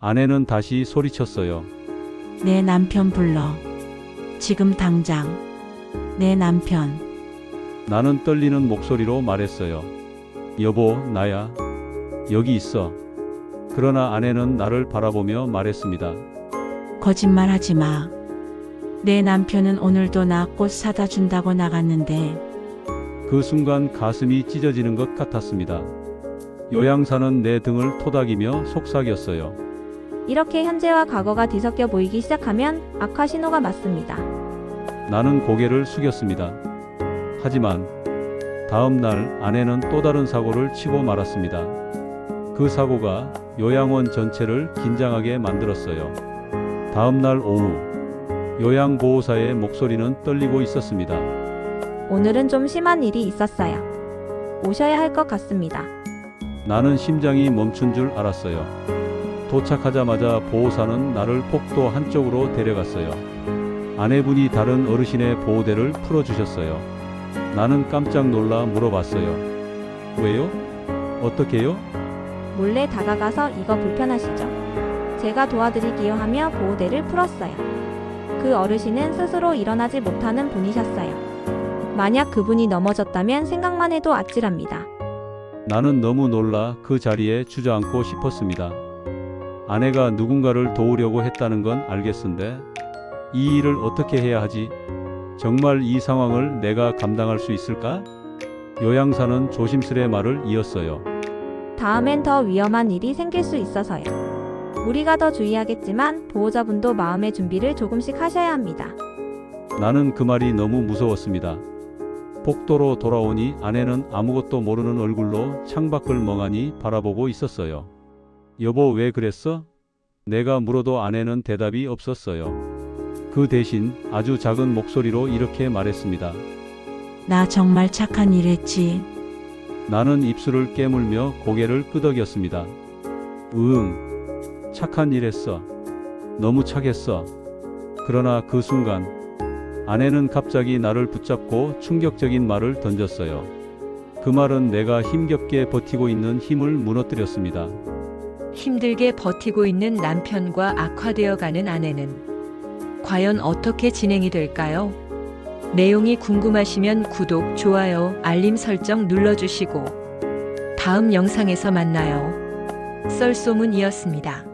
아내는 다시 소리쳤어요. 내 남편 불러. 지금 당장. 내 남편. 나는 떨리는 목소리로 말했어요. 여보, 나야. 여기 있어. 그러나 아내는 나를 바라보며 말했습니다. 거짓말하지 마. 내 남편은 오늘도 나 꽃 사다 준다고 나갔는데. 그 순간 가슴이 찢어지는 것 같았습니다. 요양사는 내 등을 토닥이며 속삭였어요. 이렇게 현재와 과거가 뒤섞여 보이기 시작하면 악화 신호가 맞습니다. 나는 고개를 숙였습니다. 하지만 다음 날 아내는 또 다른 사고를 치고 말았습니다. 그 사고가 요양원 전체를 긴장하게 만들었어요. 다음 날 오후 요양보호사의 목소리는 떨리고 있었습니다. 오늘은 좀 심한 일이 있었어요. 오셔야 할 것 같습니다. 나는 심장이 멈춘 줄 알았어요. 도착하자마자 보호사는 나를 복도 한쪽으로 데려갔어요. 아내분이 다른 어르신의 보호대를 풀어주셨어요. 나는 깜짝 놀라 물어봤어요. 왜요? 어떻게요? 몰래 다가가서 이거 불편하시죠? 제가 도와드리기요 하며 보호대를 풀었어요. 그 어르신은 스스로 일어나지 못하는 분이셨어요. 만약 그분이 넘어졌다면 생각만 해도 아찔합니다. 나는 너무 놀라 그 자리에 주저앉고 싶었습니다. 아내가 누군가를 도우려고 했다는 건 알겠는데 이 일을 어떻게 해야 하지? 정말 이 상황을 내가 감당할 수 있을까? 요양사는 조심스레 말을 이었어요. 다음엔 더 위험한 일이 생길 수 있어서요. 우리가 더 주의하겠지만 보호자분도 마음의 준비를 조금씩 하셔야 합니다. 나는 그 말이 너무 무서웠습니다. 복도로 돌아오니 아내는 아무것도 모르는 얼굴로 창밖을 멍하니 바라보고 있었어요. 여보, 왜 그랬어? 내가 물어도 아내는 대답이 없었어요. 그 대신 아주 작은 목소리로 이렇게 말했습니다. 나 정말 착한 일 했지. 나는 입술을 깨물며 고개를 끄덕였습니다. 착한 일 했어. 너무 착했어. 그러나 그 순간 아내는 갑자기 나를 붙잡고 충격적인 말을 던졌어요. 그 말은 내가 힘겹게 버티고 있는 힘을 무너뜨렸습니다. 힘들게 버티고 있는 남편과 악화되어가는 아내는 과연 어떻게 진행이 될까요? 내용이 궁금하시면 구독, 좋아요, 알림 설정 눌러주시고 다음 영상에서 만나요. 썰소문이었습니다.